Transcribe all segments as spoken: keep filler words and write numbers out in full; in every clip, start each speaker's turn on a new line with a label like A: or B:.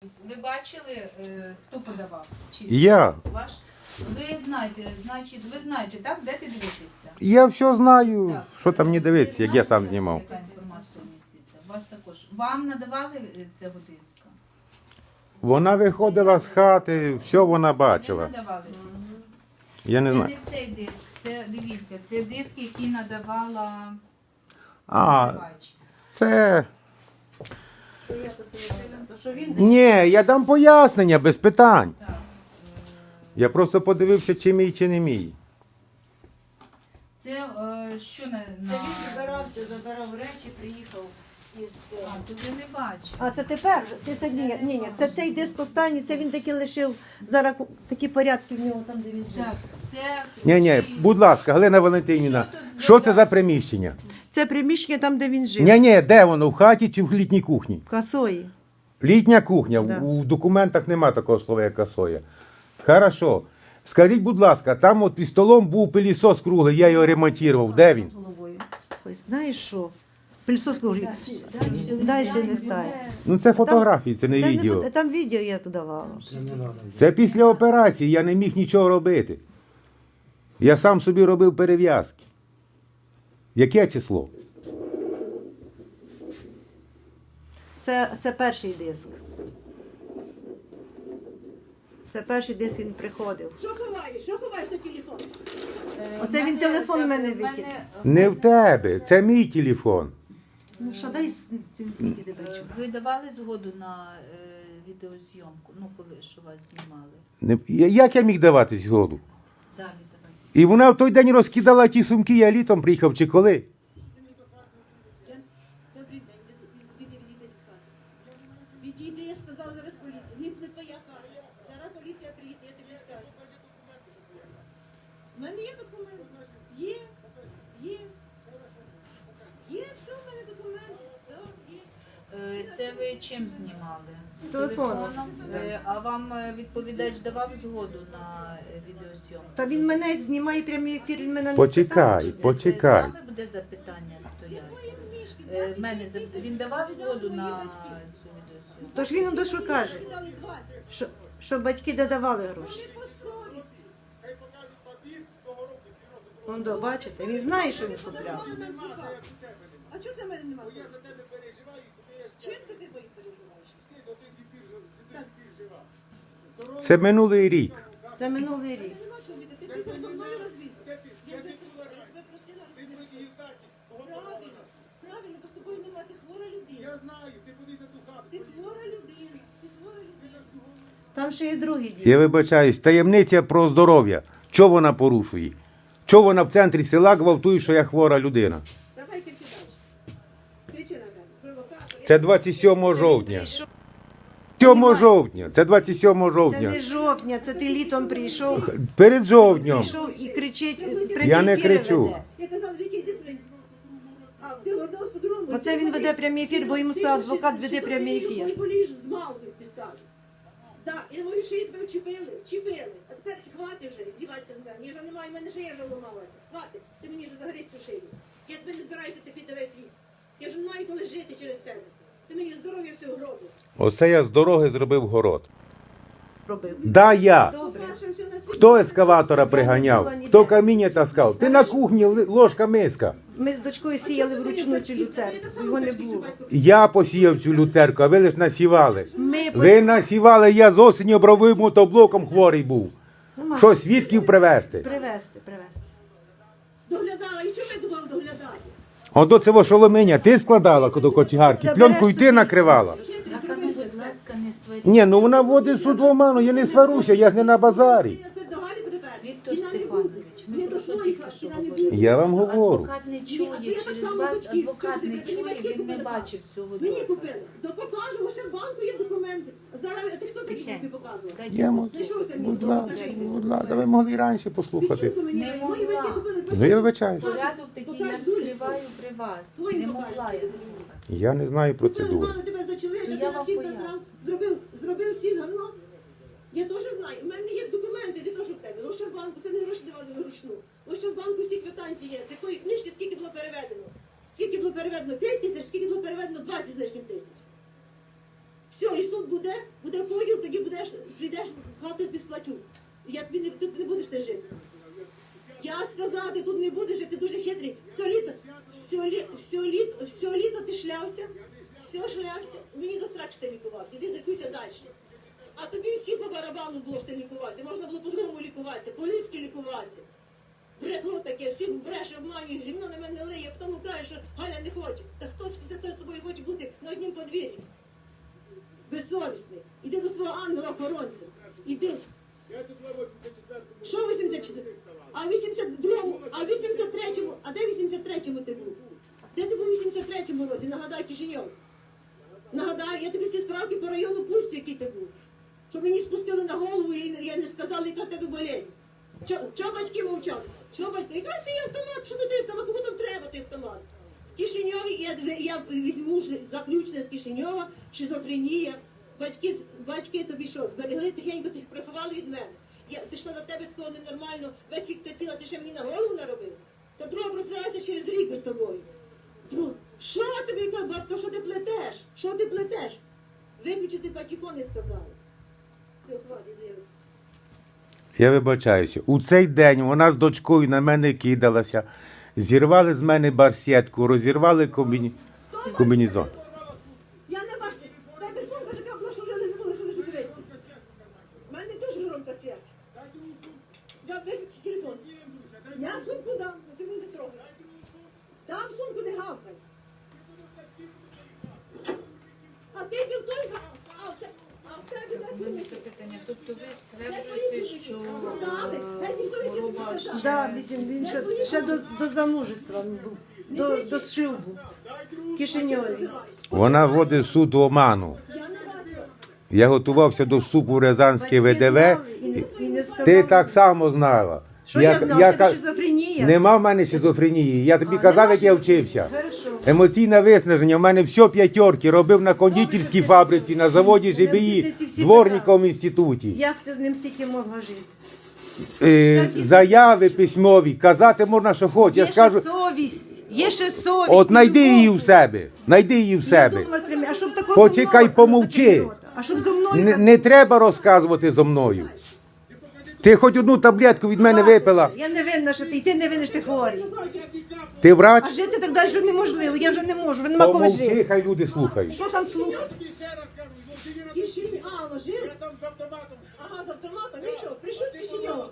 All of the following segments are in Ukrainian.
A: Ви бачили, е, хто подавав? Чи
B: Я.
A: Ваш? Ви знаєте, значить, ви знаєте, так, де піддивитися?
B: Я все знаю,
A: Так.
B: що там не
A: Ви
B: дивитися, як я сам
A: знаєте,
B: знімав.
A: Яка інформація міститься? Вас також. Вам надавали е, цього диска?
B: Вона виходила з хати, все вона
A: Ви
B: бачила.
A: надавали?
B: Я не
A: Це
B: знаю.
A: не цей диск, це, дивіться, це диск, який надавала
B: А,
A: називач.
B: це...
C: То що він
B: Ні, я дам пояснення без питань.
A: Так.
B: Я просто подивився, чи мій, чи не мій.
A: Це е, що на... на...
C: це він збирався, забирав речі, приїхав із.
A: А, то ви не бачите.
C: А це тепер? Це, це, ні, ні, ні, це цей диск останній, це він таки лишив зараз такі порядки в нього там, де він жив.
A: Так, це...
B: Ні, ні,
A: чи-
B: будь ласка, Галина Валентинівна,
A: Що тут
B: що це
A: за-
B: за приміщення?
C: Це приміщення там, де він жив.
B: Ні, ні, де воно, в хаті чи в літній кухні?
C: В Касої.
B: Літня кухня,
C: Да.
B: у документах нема такого слова, як касоя. Хорошо. Скажіть, будь ласка, там от під столом був пилісос круглий, я його ремонтував. Де він?
C: Головою. Ой, знаєш що? Пильсос круглий.
A: Дальше не
C: Далі
A: знаю.
C: не стає.
B: Ну це фотографії, це не
C: Це
B: відео.
C: фото- там відео я туди давала.
B: Це після операції, я не міг нічого робити. Я сам собі робив перев'язки. Яке число?
C: Це, це перший диск. Це перший диск він приходив.
D: Що ховаєш? Що ховаєш на телефон?
A: Е,
C: Оце
A: в
C: він
A: мене-
C: телефон в
A: так,
C: мене
A: в
C: викинув.
B: Не в тебе, це мій телефон.
C: Ну що, дай з цим скільки тебе
A: Е,
C: чув.
A: Ви давали згоду на е, відеозйомку, ну коли що вас знімали?
B: Не- я- Як я міг давати згоду?
A: Далі давайте.
B: І вона в той день розкидала ті сумки, я літом приїхав чи коли?
D: Добрий день, відійди, відійди від хати. Відійди, я сказала зараз поліція. Ні, не твоя хата. Зараз поліція приїде, я тобі скажу. У мене є документи. Є, є. Є, все, в мене документи. Так, є.
A: Е, Це ви чим знімали?
C: Телефоном.
A: Е, А вам е, відповідач давав згоду на е, відеозйомку?
C: Та він мене як знімає прямий ефір, він мене не
B: Почекай.
C: питав, чи це-
B: Почекай.
A: Саме буде запитання стояти. Е, в мене зап- він давав згоду на цю відеозйомку?
C: Тож він до що каже,
D: Дали двадцять.
C: що, що батьки додавали гроші.
D: По совісті.
C: Он до, бачите, він знає, що він купляв.
D: Мама нам цікаво. А чого це в мене нема совісті? Чим це ти бої переживаєш?
B: Це минулий рік.
C: Це минулий рік.
D: Нема чого бити, ти приїхав зі мною розвідати. Я би просила, я би просила розвідати. Правильно, правильно, бо з тобою нема, ти хвора людина.
E: Я знаю, ти подивись на ту хату.
D: Ти хвора людина, ти хвора людина.
C: Там ще є другий дід.
B: Я вибачаюсь, таємниця про здоров'я. Чого вона порушує? Чого вона в центрі села гвалтує, що я хвора людина?
D: Давай кричи далі. Кричи на мене. Провокатор.
B: Це двадцять сьомого жовтня. сьомого жовтня. Це двадцять сьомого
C: Це
B: жовтня.
C: не жовтня, це ти літом прийшов,
B: Перед жовтнем.
C: прийшов і кричить, прямі
B: Я не
C: ефіри
B: кричу.
C: веде.
D: Я казала, Вікі, йди свинь. А, ти одного з другого.
C: Оце він веде прямий ефір, бо йому сказав, адвокат веде прямий ефір.
D: Ти поліж з малкою підстави. Так, я говорю, що я тебе вчепили, вчепили. А тепер хватить вже здіватися з мене. Я вже не маю, в мене шия вже ламалася. Хватить, ти мені вже загризь цю шию. Я тебе не збираюся ти під весь світ. Я вже не маю коли жити через тебе. Ти мені здоров'я все гробиш.
B: Оце я з дороги зробив город.
C: Робив.
B: Да, я.
C: Добре.
B: Хто ескаватора приганяв? Хто каміння таскав? Ти на кухні ли- ложка миска.
C: Ми з дочкою сіяли вручну цю люцерку, його не було.
B: Я посіяв цю люцерку, а ви лиш насівали.
C: Ми
B: Ви насівали, я з осені обровим мотоблоком хворий був.
C: Нема.
B: Що, свідків привезти?
C: Привезти, привезти.
D: Доглядала, і чому я думав доглядати?
B: От до цього шоломеня ти складала до кочегарки, пленку й ти накривала.
A: Так, а ну, будь ласка, не сваріть.
B: Ні, ну вона вводить суд в оману, я не сварюся, я ж не на базарі.
D: Я тебе до Галі припер.
A: Віктор
D: Вона не
A: Степанович,
D: буде.
A: ми
D: Не
A: про що
D: до
A: тільки
D: твоїх,
A: що
D: вона не
A: говорили?
D: буде.
B: Я вам говорю.
A: Адвокат не чує,
D: Ні, а я
A: через
D: так само
A: вас
D: батьків,
A: адвокат
D: що
A: не
D: ти
A: чує,
D: батьків
A: він не
D: купила?
A: бачив цього
D: Мені
A: доказу.
D: купили. То покажу, ще в банку є документи. Зараз, а ти хто такий, щоб тобі показував?
A: Дайте
B: Я
A: мені.
B: можу,
D: Знайшовся мій
B: будь
D: дом,
B: ласка,
D: покажи.
B: будь ласка, ви могли і раніше послухати.
D: Відчинку мені,
A: Не
D: мої батьки
A: могла.
D: купили.
B: Ну я вибачаюсь.
A: Порядок такий я вспливаю при вас. Не могла я слухати.
B: Я не знаю процедури.
D: Мама тебе зачали,
A: То
D: ти
A: я
D: на
A: вам
D: всіх
A: поясню.
D: насрав, зробив, зробив всіх гавно. Я теж знаю, у мене є документи, не то, що в тебе. Ощадбанку, це не гроші давали вручну. Ощадбанку всі квитанції є. З якої книжки скільки було переведено? Скільки було переведено? п'ять тисяч, скільки було переведено двадцять з лишнім тисяч. Все, і суд буде, буде поділ, тоді будеш, прийдеш в хату без платю. Я тобі не, тут не будеш ти жити. Я сказала, ти тут не будеш жити, ти дуже хитрий. Все літо, все, лі, все, літо, все літо ти шлявся, все шлявся. Мені до страх, що ти лікувався, іди лікуйся далі. А тобі всі по барабану було, що ти лікувався. Можна було по-другому лікуватися, по-людськи лікуватися. Бредло таке, всіх бреше, обманює, гімно на мене лиє, а потім каже, що Галя не хоче. Та хтось після того з тобою хоче бути на однім подвір'ї. Безсовісний. Іди до свого ангела-охоронця. Іди. Що вісімдесят четвертому? А вісімдесят другому, а вісімдесят третьому, а де вісімдесят третьому ти був? Де ти був у вісімдесят третьому році? Нагадай, Кишиньов. Нагадай, я тобі всі справки по району пустю, який ти був. Щоб мені спустили на голову і я не сказала, яка в тебе болезнь. Чого батьки мовчали? Чого батьки? Яка ти автомат? Що ти автомат? Кому там треба той автомат? В Кишиньові я, я візьму заключне з Кишиньова, шизофренія. Батьки, батьки тобі що, зберегли тихенько, ти їх приховали від мене. Я пішла за тебе такого ненормально, весь вік терпіла, ти ще мені на голову наробив. Та друга просилася через рік без тобою. Друг, що тобі, яка бабка, що ти плетеш? Що ти плетеш? Виключити патефон не сказали. Все, хватить, Лєва.
B: Я вибачаюся. У цей день вона з дочкою на мене кидалася, зірвали з мене барсетку, розірвали комбіні... комбінезон.
D: Я не бачу. Тебе сумка така була, що вже не було, що лише дивитися. У мене теж громка серце. Взяв виключи телефон. Я сумку дам, це не трогай. Дам сумку, не гавкай. А ти йди в той га- а в те- а в тебе де
A: У мене
D: ти?
A: запитання. Тобто ви стверджуєте, що е, хвороба ще...
C: Да, вісім, він ще, ще до, до замужества він був, до, до шлюбу в Кишиньові.
B: Вона вводить суд в оману.
D: Я не бачила.
B: Я готувався до вступу в Рязанське
C: Батьки
B: ВДВ.
C: знали і не, і не сказали.
B: Ти так само знала.
C: Що я, знав,
B: я
C: що тебе
B: ка-
C: шизофренія?
B: Нема в мене шизофренії. Я тобі
C: А,
B: казав,
C: нема
B: як я
C: шизо-
B: вчився.
C: Хорошо.
B: Емоційне виснаження. У мене все п'ятерки. Робив на кондитерській фабриці, на заводі
C: Мене
B: ЖБІ,
C: після ці всі
B: дворником в інституті.
C: Як ти з ним стільки могла жити?
B: Е,
C: Так і
B: заяви письмові. Казати можна, що хочеш. Я
C: Є
B: скажу,
C: ще совість, є ще совість.
B: от знайди
C: любов.
B: її в себе. Знайди її в
C: Я
B: себе.
C: думала, все время, а щоб такого
B: Почекай,
C: зо мною
B: помовчи.
C: закрий рота. А щоб зо мною...
B: Не, не треба розказувати зо мною. Ти хоч одну таблетку від мене випила.
C: Я не винна, що ти, і ти не винна, що ти хворий.
B: Ти врач?
C: А жити так далі неможливо, я вже не можу, вже нема коли
B: Помовчи,
C: жити.
B: хай люди слухають.
C: Що там слухати?
D: Кишинь, а, ложив? Ага, з автоматом. Нічого, прийшли з Кишиньова.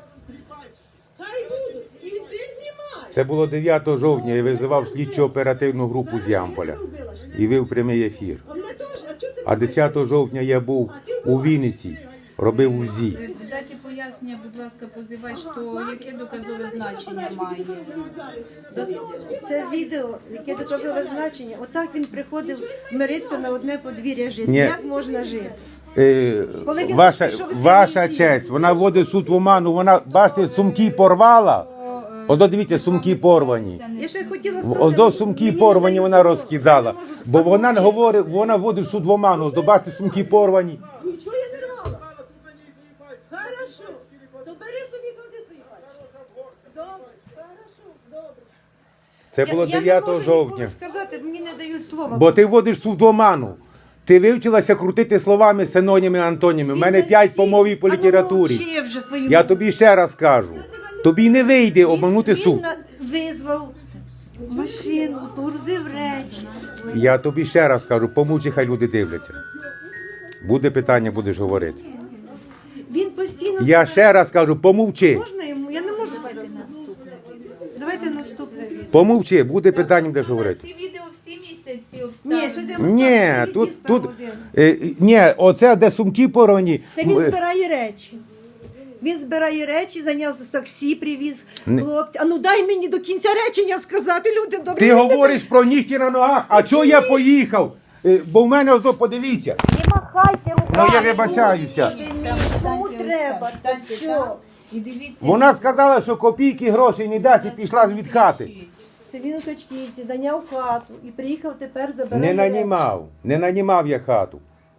D: Хай будуть. І ти знімай.
B: Це було дев'ятого жовтня, я визивав слідчо оперативну групу з Ямполя і вив прямий ефір.
D: А мене теж, а чого це
B: А десятого жовтня я був у Вінниці, робив УЗІ.
A: Е, Дайте пояснення, будь ласка, позивач, то яке доказове значення має це відео?
C: Це відео, яке доказове значення. Отак він приходив миритися на одне подвір'я жити.
B: Ні.
C: Як можна жити?
B: Е,
C: Коли він
B: ваша,
C: пішов від
B: ваша
C: комісії.
B: честь, вона вводить суд в оману, вона, бачите, сумки порвала. Ось до дивіться, сумки порвані.
C: Я ще хотіла
B: Ось до сумки
C: мені не
B: порвані
C: дають
B: вона
C: слова.
B: розкидала.
C: Я не можу
B: Бо вона не
C: спокійно.
B: говорить, вона вводить суд в оману. Ось до бачите, сумки порвані.
D: Нічого я не рвала. Хорошо. То бери собі, клади свої пальці. Добре, хорошо, добре.
B: Це було
C: Я-
B: дев'ятого
C: Я не можу
B: жовтня.
C: ніколи сказати, мені не дають слова.
B: Бо ти вводиш суд в оману. Ти вивчилася крутити словами, синоніми, антоніми. У
C: Він
B: мене
C: настільки-
B: п'ять по мові по
C: А ну,
B: літературі.
C: мовчи вже своїм-
B: Я тобі ще раз кажу. Тобі не вийде
C: Він-
B: обманути
C: він
B: суд.
C: на- визвав машину, погрузив речі свої.
B: Я тобі ще раз кажу, помовчи, хай люди дивляться. Буде питання, будеш говорити.
C: Він постійно...
B: Я
C: себе-
B: ще раз кажу, помовчи.
C: Можна йому? Я не можу сказати. Давайте наступне відео.
B: Помовчи, буде питання, будеш говорити.
A: Ці відео всі місяці
C: Ні, що
A: обставини.
C: ти
B: Ні, тут, тут, е, ні, оце де сумки порвані.
C: Це він
B: Е,
C: збирає речі. Він збирає речі, зайнявся таксі, привіз
B: Не-
C: хлопця. А ну дай мені до кінця речення сказати, люди добрі.
B: Ти
C: люди
B: говориш про нігті на ногах, а чого я поїхав? Е, Бо в мене ось, подивіться.
C: Не махайте руками.
B: Ну я вибачаюся.
C: Кому треба, це все.
A: І дивіться.
B: Вона сказала, що копійки грошей не дасть і пішла від хати.
C: Це він у Качківці наняв хату і приїхав тепер забирати.
B: Не нанімав, не нанімав я хату.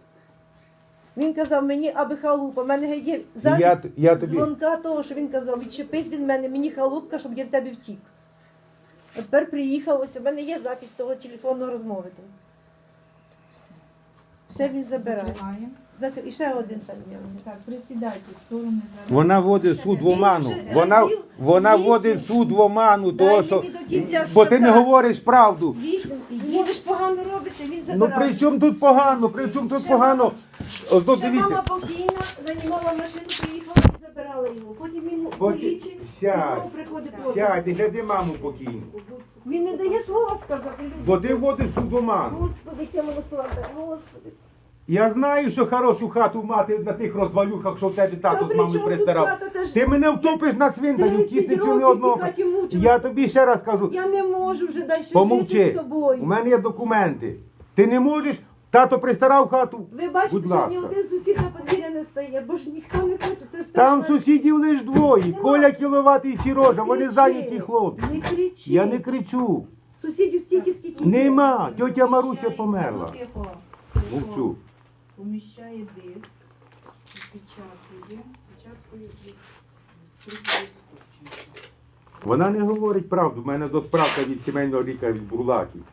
C: Він казав мені, аби халупа. У мене є запис
B: Я т- я тобі-
C: дзвонка того, що він казав, відчепись від мене, мені халупка, щоб я в тебе втік. А тепер приїхав, ось у мене є запис того телефонного розмови. там. Все він забирає.
A: Закриваємо.
C: Зак- І ще один там є.
A: Так, присідайте в сторони зараз.
B: Вона вводить суд в оману.
C: Більше
B: Вона,
C: разів
B: вона
C: вісім.
B: вводить суд в оману,
C: Дай
B: того, що,
C: мені до кінця
B: бо ти не
C: сказати.
B: говориш правду.
C: Вісім. Будеш погано робиться, він
B: Ну
C: забирає.
B: при чому тут погано? При чому тут
C: Ще
B: погано? Ось тут
C: Ще
B: дивіться.
C: мама покійна, нанімала машину, приїхала і забирала його. Потім він
B: Потім-
C: полічив, і
B: Сядь.
C: знову приходить проти.
B: Сядь, і гляди маму покійну.
C: Він не дає слова сказати. люди.
B: Бо ти вводиш суд в оману.
C: Господи, яке милосердя, Господи.
B: Я знаю, що хорошу хату мати на тих розвалюхах, що в тебе
C: Та
B: тато з
C: при
B: мамою
C: чому тут
B: пристарав.
C: хата? Та ж-
B: Ти мене втопиш на цвинтарі, в
C: тридцять
B: тісницю не
C: років
B: одного.
C: в тій хаті мучилась.
B: Я тобі ще раз кажу,
C: Я не можу вже далі жити
B: помовчи.
C: з тобою.
B: У мене є документи. Ти не можеш? Тато пристарав хату?
C: Ви бачите,
B: Будь
C: що ні
B: ласка.
C: один сусід на подвір'я не стає, бо ж ніхто не хоче, це страшно.
B: Там сусідів лиш двоє. Коля Кіловат і Сірожа. Вони
C: Кричи.
B: зайняті хлопці.
C: Не кричи.
B: Я не кричу.
C: Сусідів стільки, скільки.
B: Нема. Тьотя Маруся померла.
A: Ну, тихо.
B: Мовчу.
A: Поміщає диск, печатує, печаткою від стрільної скотчем.
B: Вона не говорить правду. У мене до справка від сімейного лікаря від Бурлаків.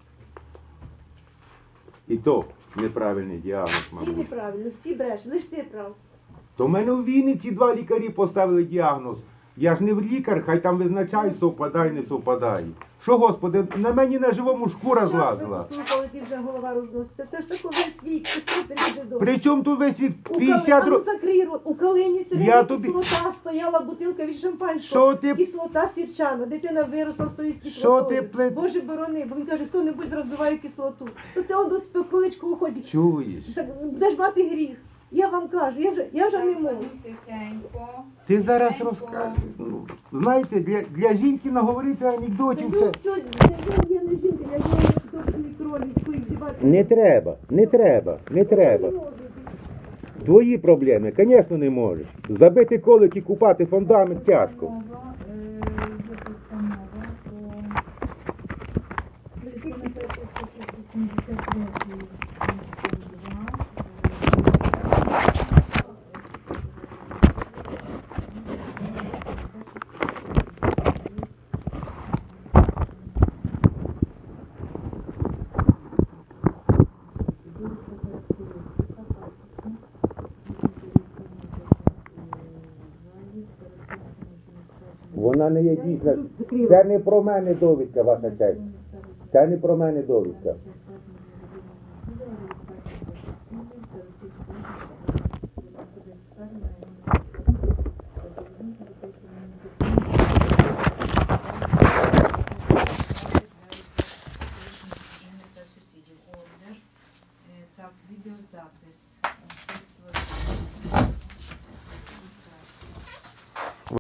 B: І то неправильний діагноз,
C: Всі
B: мабуть.
C: неправильно, всі бреш, лиш ти прав.
B: То в мене у Вінниці два лікарі поставили діагноз. Я ж не лікар, хай там визначають, совпадає, не совпадає. Що, Господи, на мені на живому шкура злазила.
C: Слухали, ти вже голова розноситься. Це ж такий весь вік, це що це люди добрі.
B: Причому тут весь від
C: У
B: п'ятдесят
C: Кали- а ну
B: років.
C: закрий рот. У Калині
B: Я
C: сьогодні
B: тобі-
C: кислота стояла, бутилка від шампанського.
B: Що ти-
C: Кислота сірчана. Дитина виросла з тою
B: Що
C: кислотою.
B: ти плет-
C: Боже борони, бо він каже, хто-небудь розбиває кислоту. То це он до спекуличку уходить.
B: Чуєш?
C: Так, де ж мати гріх? Я вам кажу, я вже, я вже не можу.
A: Тихенько.
B: Ти зараз
A: Тихенько.
B: розкажеш. Ну, знаєте, для, для жінки наговорити анекдотів
C: Ну,
B: це.
C: все, я, я не жінка, я не добрий кролик, здівати.
B: Не треба, не треба, не треба. Твої проблеми, звісно, не можеш. Забити колик і купати фундамент тяжко.
A: Постанова, е, є постанова про виконати статтю вісімдесят три пункт
B: Вона не є дійсна. Це не про мене довідка, ваша честь. Це не про мене довідка.